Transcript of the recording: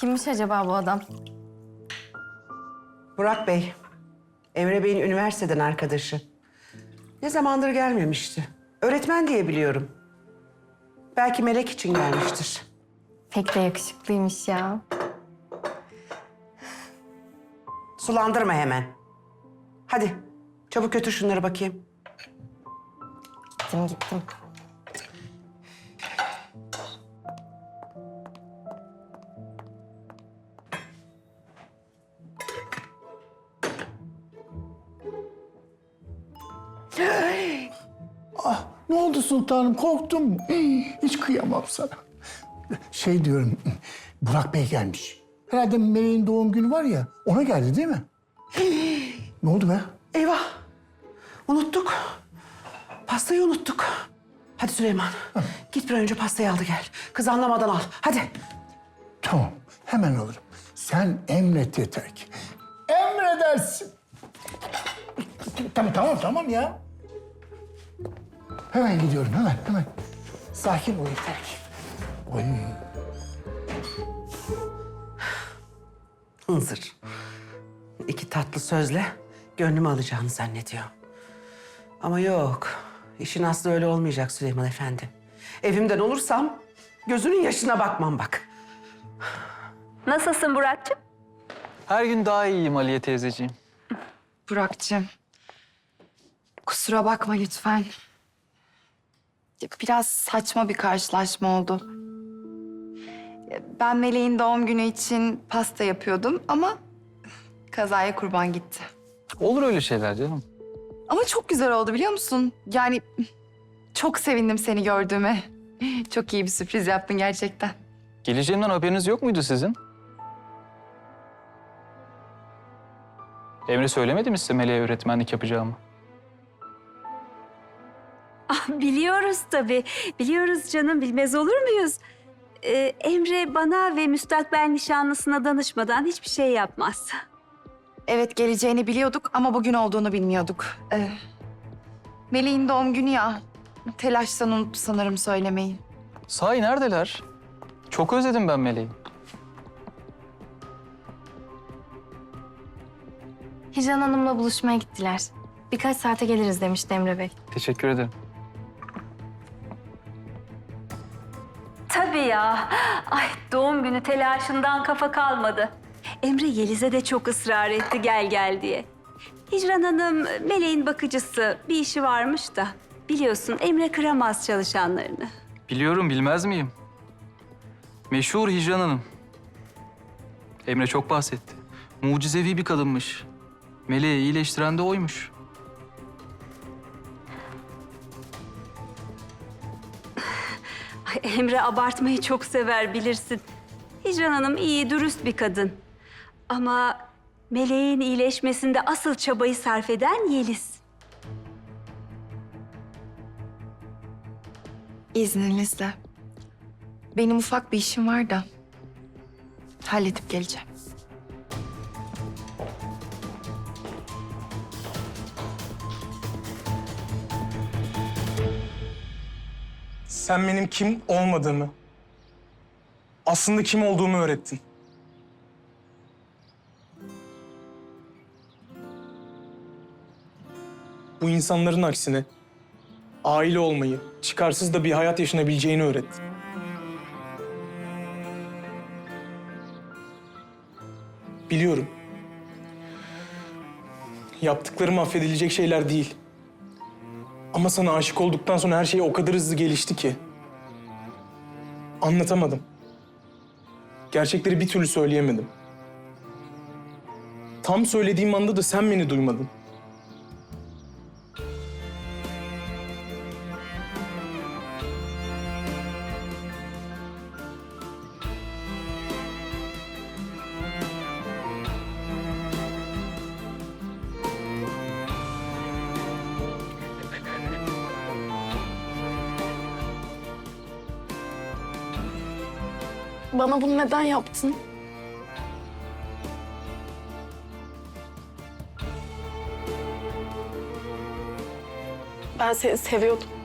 Kimmiş acaba bu adam? Burak Bey, Emre Bey'in üniversiteden arkadaşı. Ne zamandır gelmemişti. Öğretmen diye biliyorum. Belki Melek için gelmiştir. Pek de yakışıklıymış ya. Sulandırma hemen. Hadi, çabuk götür şunları bakayım. Gittim. Ah, ne oldu sultanım? Korktum mu? Hiç kıyamam sana. Şey diyorum, Burak Bey gelmiş. Herhalde Meleğin doğum günü var ya, ona geldi değil mi? Ne oldu be? Eyvah, unuttuk. Pastayı unuttuk. Hadi Süleyman, git bir an önce pastayı al da gel. Kız anlamadan al, hadi. Tamam, hemen alırım. Sen emret yeter ki. Emredersin. Tamam ya. Hemen gidiyorum, hemen. Sakin ol yeter ki. Oy. Hınzır. İki tatlı sözle gönlümü alacağını zannediyor. Ama yok, işin aslı öyle olmayacak Süleyman Efendi. Evimden olursam gözünün yaşına bakmam bak. Nasılsın Burak'cığım? Her gün daha iyiyim Aliye teyzeciğim. Burak'cığım, kusura bakma lütfen. Biraz saçma bir karşılaşma oldu. Ben Meleğin doğum günü için pasta yapıyordum ama kazaya kurban gitti. Olur öyle şeyler canım. Ama çok güzel oldu biliyor musun? Yani çok sevindim seni gördüğüme. Çok iyi bir sürpriz yaptın gerçekten. Geleceğimden haberiniz yok muydu sizin? Emre söylemedi mi size Meleğe öğretmenlik yapacağımı? Biliyoruz tabii. Biliyoruz canım, bilmez olur muyuz? Emre bana ve müstakbel nişanlısına danışmadan hiçbir şey yapmaz. Evet geleceğini biliyorduk ama bugün olduğunu bilmiyorduk. Meleğin doğum günü ya. Telaştan unuttu sanırım söylemeyi. Sahi neredeler? Çok özledim ben Meleği. Hicran Hanım'la buluşmaya gittiler. Birkaç saate geliriz demişti Emre Bey. Teşekkür ederim. Tabii ya. Ay, doğum günü telaşından kafa kalmadı. Emre Yeliz'e de çok ısrar etti gel diye. Hicran Hanım Meleğin bakıcısı, bir işi varmış da. Biliyorsun Emre kıramaz çalışanlarını. Biliyorum, bilmez miyim? Meşhur Hicran Hanım. Emre çok bahsetti. Mucizevi bir kadınmış. Meleği iyileştiren de oymuş. Ay, Emre abartmayı çok sever bilirsin. Hicran Hanım iyi, dürüst bir kadın. Ama Meleğin iyileşmesinde asıl çabayı sarf eden Yeliz. İzninizle. Benim ufak bir işim var da halledip geleceğim. Sen benim kim olmadığımı, aslında kim olduğumu öğrettin. Bu insanların aksine aile olmayı, çıkarsız da bir hayat yaşanabileceğini öğrettin. Biliyorum. Yaptıklarım affedilecek şeyler değil. Ama sana aşık olduktan sonra her şey o kadar hızlı gelişti ki. Anlatamadım. Gerçekleri bir türlü söyleyemedim. Tam söylediğim anda da sen beni duymadın. Bana bunu neden yaptın? Ben seni seviyordum.